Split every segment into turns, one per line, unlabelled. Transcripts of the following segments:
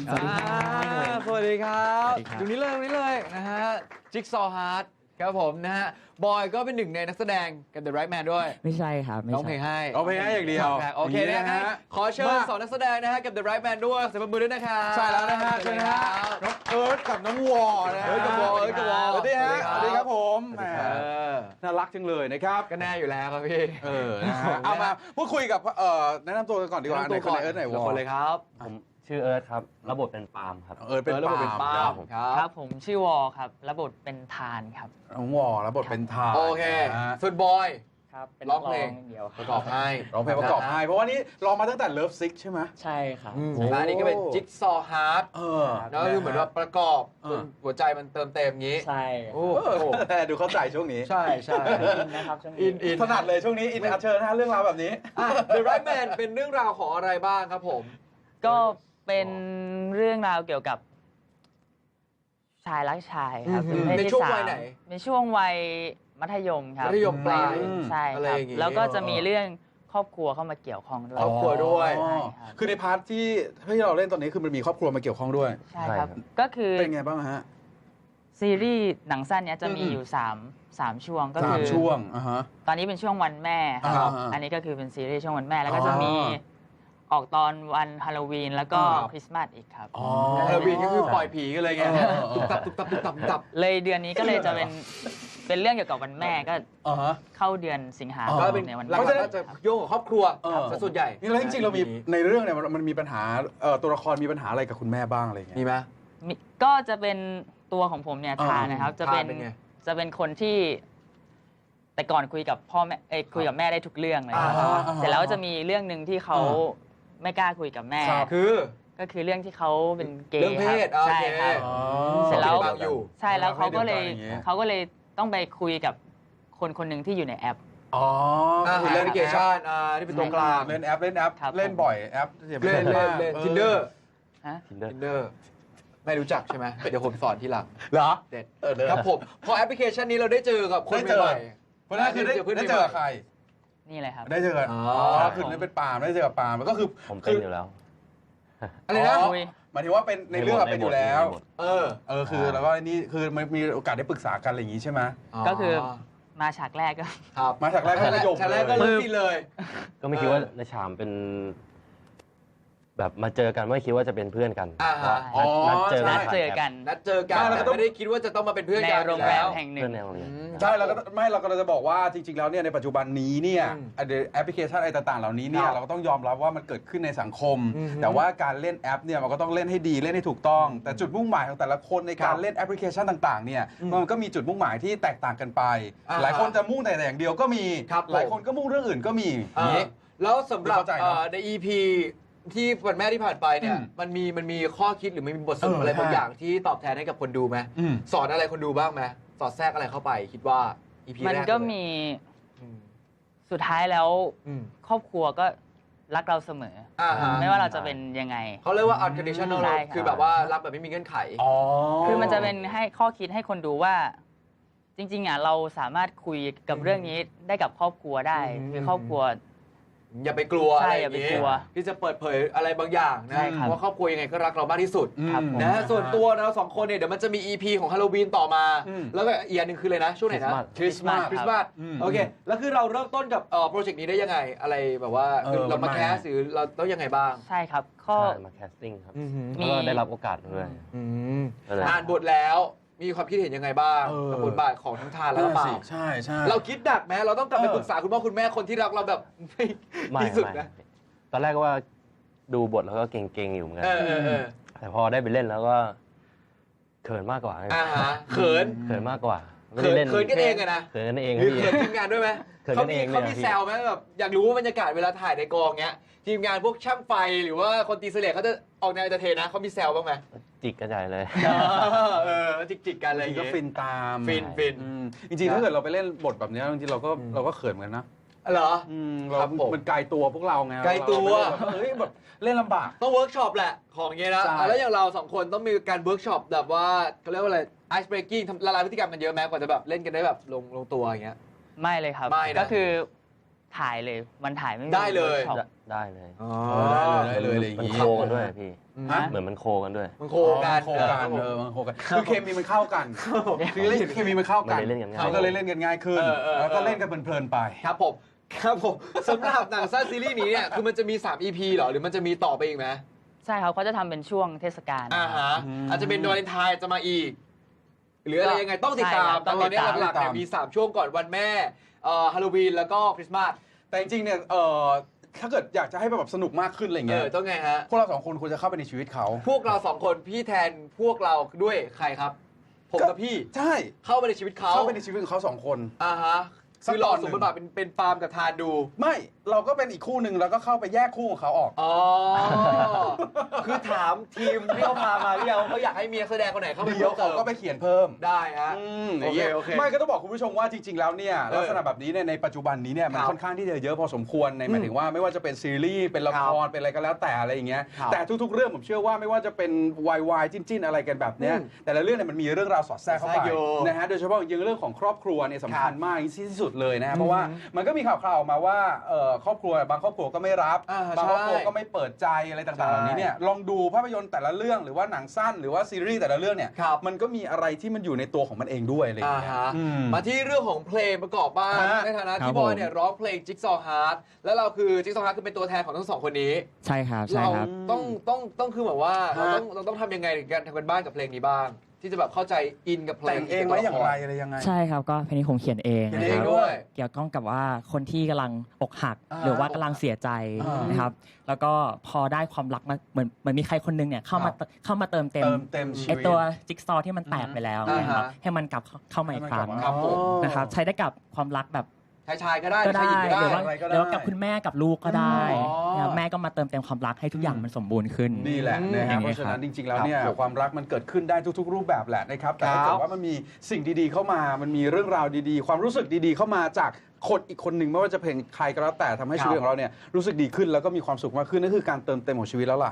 สวัสดีครับสวัสดีครับอยู่นี้เลยนะฮะจิ๊กซอว์ฮาร์ดครับผมนะฮะบอยก็เป็นหนึ่งในนักแสดงกับ The Right Man ด้วย
ไม่ใช่ครับ
ร้องเพลงให้
อย่างเดียว
โอเคนะฮะขอเชิญสองนักแสดงนะฮะกับ The Right Man ด้วยเสียงปรบมือด้วยนะครับ
ใช่แล้วนะฮะเชิญนะฮะน้องเอิร์ธกับน้องวอนะฮะ
กับวอ
สวัสดีฮะสวัสดีครับผมน่ารักจังเลยนะครับ
ก็แน่อยู่แล้วครับพี่
นะฮะเอามาพูดคุยกับแนะนำตัวกันก่อนดีกว่าในคนเอิร์ธไหนวอ
คนเลยครับ
ผมชื่อเอิร์ธครับรับบทเป็นปาล์มครับ
เอิร์ธเป็น
ปาล์ม
ครับผมชื่อวอครับรับบทเป็นทานครับ
น้องวอรับบทเป็นทาน
โอเคส่วนบอย
ครับเป็น
ร้องเพลง
เดียว
ประกอบให้
ร้องเพลงประกอบให้เพราะว่านี่ร้องมาตั้งแต่เลิฟซิกใช่ไหม
ใช่ครับ
อันนี้ก็เป็นจิ๊กซอว์ฮาร์ดแล้วก็คือเหมือนว่าประกอบหัวใจมันเติมเต็มงี้
ใช่
โอ้ดูเข้าใจช่วงนี้
ใช่
นะครับช่วง
นี้อินถนัดเลยช่วงนี้อินเชิญนะเรื่องราวแบบนี้
The Right Man เป็นเรื่องราวของอะไรบ้างครับผม
ก็เป็นเรื่องราวเกี่ยวกับชายรักชายครับ
ในช่วงวัยไหน
ในช่วงวัยมัธยมครับ
มัธยมปลาย
ใช่ครับแล้วก็จะมีเรื่องครอบครัวเข้ามาเกี่ยวข้องด้วย
ครอบครัวด้วย
คือในพาร์ทที่เราเล่นตอนนี้คือมันมีครอบครัวมาเกี่ยวข้องด้วย
ใช่ครับก็คือ
เป็นไงบ้างฮะ
ซีรีส์หนังสั้นเนี้ยจะมีอยู่3ช่วงก็คือ
ช่วง
ตอนนี้เป็นช่วงวันแม่ครับอันนี้ก็คือเป็นซีรีส์ช่วงวันแม่แล้วก็จะมีออกตอนวันฮาโลวีนแล้วก็คริสต์มาสอีกครับ
ฮาโลวีนก็คือปล่อยผีกันเลยไงตุ๊บตับ
เลยเดือนนี้ก็เลยจะเป็นเรื่องเกี่ยวกับวันแม่ก็เข้าเดือนสิงหาคมในวัน
ก็จะโยงกับครอบครัวส่วนใหญ่
นี่แล้วจริงๆเรามีในเรื่องเนี่ยมันมีปัญหาตัวละครมีปัญหาอะไรกับคุณแม่บ้างอะไรเงี้ย
มีไหม
ก็จะเป็นตัวของผมเนี่ยทานนะครับจะเป็นคนที่แต่ก่อนคุยกับพ่อแม่คุยกับแม่ได้ทุกเรื่องเลยเสร็จแล้วจะมีเรื่องหนึ่งที่เขาไม่กล้าคุยกับแม่ก็คือเรื่องที่เขาเป็นเกย์
เรื่องเพศ
ใช่ครับเสร็จแล้วใช่แล้วเขาก็เลยต้องไปคุยกับคนหนึ่งที่อยู่ในแอป
เล่นแอปพลิเคชันที่เป็นตัวกลาง
เล่นแอปเล่นบ่อยแอป
เล่น Tinder ไม่รู้จักใช่ไหมเดี๋ยวผมสอนทีหลัง
เหรอ
เด็ดครับผมพอแอปพลิเคชันนี้เราได้เจอกับคนใหม่
เพราะนั่นคือได้เจอใคร
นี่เลยครับ
ได้เจอกันคือนี่เป็นปาล์มได้เจอกับปาล์มก็คือ
ผมเป็นอยู่แล้ว
อะไรนะ
หมายถึงว่าเป็นในเรื่องเป็นอยู่แล้วคือแล้วก็นี่คือมันมีโอกาสได้ปรึกษากันอะไรอย่างนี้ใช่ไหม
ก็คือมาฉากแรกก็
มาฉากแรกก็ประโยค
เลย
ก็ไม่คิดว่าในฉามเป็นแบบมาเจอกันไม่คิดว่าจะเป็นเพื่อนกัน
นัดเจอกัน
แต่ไม่ได้คิดว่าจะต้องมาเป็นเพื่อนกัน
ในโรงแรมแห่งหนึ่ง
ใช่เราก็จะบอกว่าจริงๆแล้วเนี่ยในปัจจุบันนี้เนี่ยแอปพลิเคชันอะไรต่างๆเหล่านี้เนี่ยเราก็ต้องยอมรับว่ามันเกิดขึ้นในสังคมแต่ว่าการเล่นแอปเนี่ยมันก็ต้องเล่นให้ดีเล่นให้ถูกต้องแต่จุดมุ่งหมายของแต่ละคนในการเล่นแอปพลิเคชันต่างๆเนี่ยมันก็มีจุดมุ่งหมายที่แตกต่างกันไปหลายคนจะมุ่งแต่อย่างเดียวก็มีหลายคนก็มุ่งเรื่องอื่นก็มี
แล้วสำหรับใน EPที่วันแม่ที่ผ่านไปเนี่ยมันมีข้อคิดหรือมันมีบทสรุปอะไรบางอย่างที่ตอบแทนให้กับคนดูไหมสอนอะไรคนดูบ้างไหมสอดแทรกอะไรเข้าไปคิดว่า EP แรก
มันก็มีสุดท้ายแล้วครอบครัวก็รักเราเสมอไม่ว่าเราจะเป็นยังไง
เขาเรียกว่า unconditional คือแบบว่ารักแบบไม่มีเงื่อนไข
คือมันจะเป็นให้ข้อคิดให้คนดูว่าจริงๆเราสามารถคุยกับเรื่องนี้ได้กับครอบครัวได้คือครอบครัว
อย่าไปกลัวอะไร
อย่าไปกลัว
ที่จะเปิดเผยอะไรบางอย่างนะเพราะครอบครัวยังไงก็รักเรามากที่สุดนะส่วนตัวเรา2คนเนี่ยเดี๋ยวมันจะมี EP ของฮาโลวีนต่อมาแล้วก็อีกอันหนึ่งคืออะไรนะช่วงไหนนะคริสต์มาสโอเคแล้วคือเราเริ่มต้นกับโปรเจกต์นี้ได้ยังไงอะไรแบบว่าเรามาแคสหรือเราต้องยังไงบ้าง
ใช่ครับก็
มาแคสติ้งครับแล้วก็ได้รับโอกาสด้วย
อ่านบทแล้วมีความคิดเห็นยังไงบ้างกับบทบาทของทั้งทานแล้วก็ปาล์ม
ใช่
เราคิดดักไหมเราต้องกลับไปปรึกษาคุณพ่อคุณแม่คนที่รักเราแบบที่สุดนะ
ตอนแรกก็ว่าดูบทแล้วก็เก่งๆอยู่เหมือนกันแต่พอได้ไปเล่นแล้วก็เขินมากกว่า
เขิ
นมากกว่า
เขินกันเองนะ
เขินกันเอง
หรือเขินทีมงานด้วยไหมเขามีแซวไหมแบบอยากรู้ว่าบรรยากาศเวลาถ่ายในกองเงี้ยทีมงานพวกช่างไฟหรือว่าคนตีเสลดเขาจะออกแนวจะเทนะเขามีแซวบ้างไหม
จิกกระจายเลย
จิกกันอะไร
ก็ฟินตาม
ฟิน
จริงๆถ้าเกิดเราไปเล่นบทแบบนี้จริงๆเราก็เขินเหมือนกันนะ
เหรอ
เรามันไกลตัวพวกเราไง
ไกลตัว
เฮ้ยแบบเล่นลำบาก
ต้องเวิร์กช็อปแหละของเงี้ยนะแล้วอย่างเรา2คนต้องมีการเวิร์กช็อปแบบว่าเขาเรียกว่าอะไรไอซ์เบรกกิ้งละลายพฤติกรรมกันเยอะไหมกว่าจะแบบเล่นกันได้แบบลงตัวอย่างเงี้ย
ไม่เลยครับก็คือถ่ายเลยวันถ่ายไม่มี
ได้เลย
วิร์กช็อป
ได้เลย
อ๋อ
ได้เลยอะไรอย่าง
มัน
งี้
โคกันด้วยพี่
ฮะ
เหมือนมันโคกันด้วย
มันโคกัน
โคกันมันโคกันคือเคมีมันเข้ากันคือเล่นเคมีมันเข้ากัน
มันเลยเล่นกันง่าย
มันก็เลยเล่นกันง่ายขึ้นแล้วก็เล่นกันเพลินๆไป
ครับผมครับผมสำหรับหนังสั้นซีรีส์นี้เนี่ยคือมันจะมี3 EP เหรอหรือมันจะมีต่อไปอีกไหม
ใช่ครับเขาจะทำเป็นช่วงเทศกาล
ฮะอาจจะเป็นวาเลนไทน์จะมาอีก หรืออะไรยังไงต้องติดตาม
ใช่ครับ
แต่ตอนนี้
ต้องติดตาม
หลักๆเนี่ยมี3ช่วงก่อนวันแม่ฮาโลวีนแล้วก็คริสต์มาส
แต่จริงๆเนี่ยถ้าเกิดอยากจะให้แบบสนุกมากขึ้นอะไรเงี้ย
ต้องไงฮะ
พวกเราสองคนควรจะเข้าไปในชีวิตเขา
พวกเรา2คนพี่แทนพวกเราด้วยใครครับ ผมกับพี่
ใช่
เข้าไปในชีวิตเขา
เข้าไปในชีวิตของเขาสองคน
ฮะ
สัก
คือล
ต
อ
อง นหนึ่
ส
ง
มบทบาทเป็นปาล์มกับทานดู
ไม่เราก็เป็นอีกคู่หนึ่งแล้วก็เข้าไปแยกคู่ของเขาออก
อ๋อ คือถามทีมที่เขาพามาหรือยังว่าเขาอยากให้มีนักแสดงคนไหนเข้าไป
เดี๋ยว
เพิ่
เขา
มเติม
ก็ไปเขียนเพิ่ม
ได้ฮะ
โอเค
โอเค
ไม่ก็ต้องบอกคุณผู้ชมว่าจริง ๆ แล้วเนี่ยลักษณะแบบนี้เนี่ยในปัจจุบันนี้เนี่ยมัน
ครับ
ค่อนข้างที่จะเยอะพอสมควรในหมายถึงว่าไม่ว่าจะเป็นซีรีส์เป็นละครเป็นอะไรก็แล้วแต่อะไรอย่างเงี้ย
ครับ
แต่ทุกๆเรื่องผมเชื่อว่าไม่ว่าจะเป็นวายจิ้นๆอะไรกันแบบเนี้ยแต่ละเรื่องเนี่ยมันมีเรื่องราวสอดแทรกเข้าไป
แทรกอยู่
นะฮะโดยเฉพาะอย่างเรื่องของครอบครัวเนี่ยสำคัญมากที่สุดเลยนะฮะเพราะว่ามันก็มีข่าวๆออกมาว่าครอบครัวบางครอบครัวก็ไม่รับบางครอบครัวก็ไม่เปิดใจอะไรต่างๆเหล่านี้เนี่ยลองดูภาพยนตร์แต่ละเรื่องหรือว่าหนังสั้นหรือว่าซีรีส์แต่ละเรื่องเนี่ย
ครับ
มันก็มีอะไรที่มันอยู่ในตัวของมันเองด้วยอะไรอย่างเงี้ย
ฮะ
อืม
มาที่เรื่องของเพลงประกอบบ้าง
ฮะ
ในฐานะ
ครั
ที่
บบ
อย
ผม
เนี่ยร้องเพลง Jigsaw Heart แล้วเราคือ Jigsaw Heart คือเป็นตัวแทนของทั้งสองคนนี้
ใช่ครับ ใช่
เรา
ครับ
ต้องคือแบบว่าเรา
ฮะ
ต้องทำยังไงในการทำกันบ้านกับเพลงนี้บ้าง ที่จะแบบเข้าใจอินกับเพล
แต่
ง
งเองไหมอย่างไรอะไรยังไง
ใช่ครับก็เพลงนี้ผมเขียนเอง
เขียน
นะ
เอ
ค
ง
รับ
ด้วย
เกี่ยวข้องกับว่าคนที่กำลังอกหัก
อ่า
หรือว่ากำลังเสียใจ
อ่าน
นะครับ แล้วก็พอได้ความรักมาเหมือนมีใครคนหนึงเนี่ยเข้ามาเติมเต็ม
เต็มชี
ไอ
วิต
ตัวจิ๊กซอว์ที่มันแตกไปแล้ว
อ่าฮะ
นะครับให้มันกลับเข้ามาอีกครั้ง
ครับผม
นะครับใช้ได้กับความรักแบบ
ชายก็ได้
ก็
ชาย
ได้
หญิงก็
หรือ
ได้
ว่า
อะไรก็ได้
หรือว่ากับคุณแม่กับลูกก็ได้
อ๋อ
นะครับแม่ก็มาเติมเต็มความรักให้ทุกอย่างมันสมบูรณ์ขึ้น
นี่แหละนะ
อ
ฮะ
ย่าง
เพ
นี้
ราะฉะ
ครั
นั้
บ
นจริงๆแล้วเนี่ย
ครับ
ความรักมันเกิดขึ้นได้ทุกๆ รูปแบบแหละนะครับแต่ถ้า
ครั
เกิ
บ
ดว่ามันมีสิ่งดีๆเข้ามามันมีเรื่องราวดีๆ ความรู้สึกดีๆเข้ามาจากคนอีกคนหนึ่งไม่ว่าจะเป็นใครก็แล้วแต่ทำให้ชีวิตของเราเนี่ยรู้สึกดีขึ้นแล้วก็มีความสุขมากขึ้นนั่นคือการเติมเต็มของชีวิตแล้วล่ะ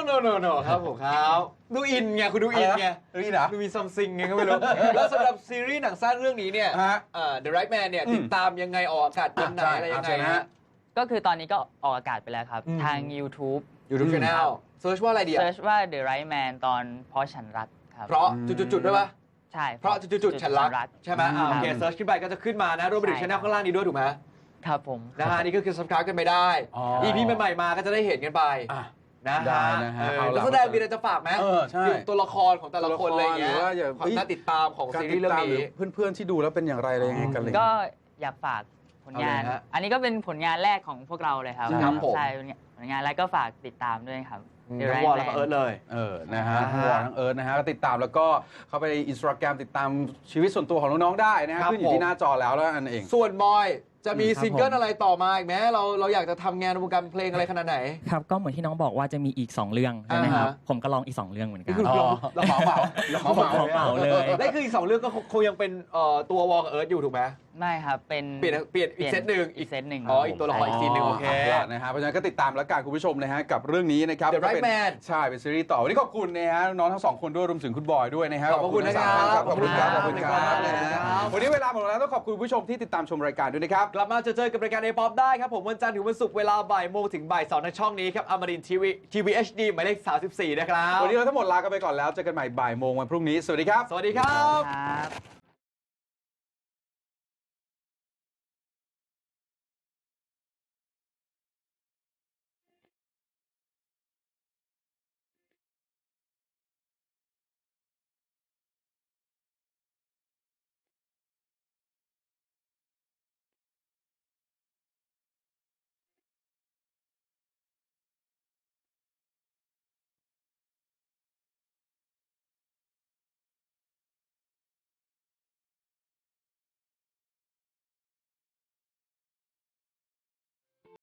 no ครับผมครับดูอินไงคุณดูอินไง
นี่นะ
ดูมีซัมซิงไงก็ไม่รู้ แล้วสำหรับซีรีส์หนังสั้นเรื่องนี้เนี่ย
ฮะ
The Right Man เนี่ยติดตามยังไงออกอากาศวันไหนอะไรยังไง
ใช่นะ
ฮะ
ฮะ
ก็คือตอนนี้ก็ออกอากาศไปแล้วครับ ทาง YouTube
YouTube Channel เซิร์ชว่าอะไรดีอะ
เซิร์ชว่า The Right Man ตอนเพราะฉันรักครับ
เพราะจุดๆด้วยปะ
ใช่
เพราะจุดๆฉันรักใช่ไหมโอเคเซิร์ชขึ้นไปก็จะขึ้นมานะรวมไปถึงช่องข้างล่างนี้ด้วยถูกไหม
ครับผม
นะฮะนี่ก็คือ subscribe กันไปได้
อ๋อ
EP ใหม่ๆมาก็จะได้เห็นกันไป
อ่ะ
นะ
ได้
ฮะ
นะฮะ
เออ
เอาล่ะ
แล้วแสดงมีอะไรจะฝากไหม
ใช่
เกี่ยวกับตัวละครของแต่ละคนอะไรอย่างเงี้ย
หรือว่าอย่า
ความน่าติดตามของ
การ
ซี
ติ
รี
ด
ส์เรื่อ
ตาม
ง
หรือ
นี้
เพื่อนๆที่ดูแล้วเป็นอย่างไรอะไรยังไงกันเลย
ก็อยากฝากผลงาน
เอาเลยฮะ
อันนี้ก็เป็นผลงานแรกของพวกเราเลยครับ
ครับผม
ใช่ผลงานแรกก็ฝากติดตามด้วยครับ The
ทั้ง
Right
วอลแล้วก็
Man
เอิร์ธเลย
นะฮะ
อ่าฮะ
ทั้งวอลทั้งเอิร์ธนะฮะก็ติดตามแล้วก็เข้าไปในอินสตาแกรมติดตามชีวิตส่วนตัวของน้องๆได้นะฮะ
ครับ
ขึ้นอยู่ที่หน้าจอแล้วนั่นเอง
ส่วนบอยจะมี
ครับ
ซิงเกิล
ผม
อะไรต่อมาอีกไหมเราอยากจะทำงานในวงการเพลงอะไรขนาดไหน
ครับก็เหมือนที่น้องบอกว่าจะมีอีก 2 เรื่องใช่ไหมครับ
อ่าฮะ
ผมก็ลองอีก 2 เรื่องเหมือนกัน
คือ
อ๋อเราเหมาเหมา
ผมเหมาเลย
และคืออีก2เรื่องก็คงยังเป็นตัววอลกับเอิร์ธอยู่ถูกไหม
ไม่ครับ เป็น
เปลี่ยนอีกเซตหนึ่ง
อีกเซตหนึ่ง
อ๋ออีกตัวละครอีกซีนหนึ่งโอเค
นะฮะเพราะฉะนั้นก็ติดตามแล้วกันคุณผู้ชมนะฮะกับเรื่องนี้นะครับ
The Right
ก็เป็น
Man
ใช่เป็นซีรีส์ต่อวันนี้ขอบคุณนะฮะน้องทั้งสองคนด้วยรวมถึงคุณบอยด้วยนะฮะ
ขอบคุณนะครับ
ขอบคุณครับ
ข
ข
อ
อ
บบ คุ
คุณ ณ
ค
ค
รั
รั
บบ
นะฮะวันนี้เวลาหมดแล้วต้องขอบคุณผู้ชมที่ติดตามชมรายการด้วยนะครับ
กลับมาเจอกับรายการ A-POP ได้ครับผมวันจันทร์ถึงวันศุกร์เวลาบ่ายโมงถึงบ่าย2ทางช่องนี้ครับอมรินทีวีHD หมายเลข34นะครับ
วันนี้เราทั้งหมดลากันไปก่อนแล้วเจอกันใหม่บ่ายโมงวันพรุ่งนี้สวัสดีครับ
สวัสดีครับ
ครับ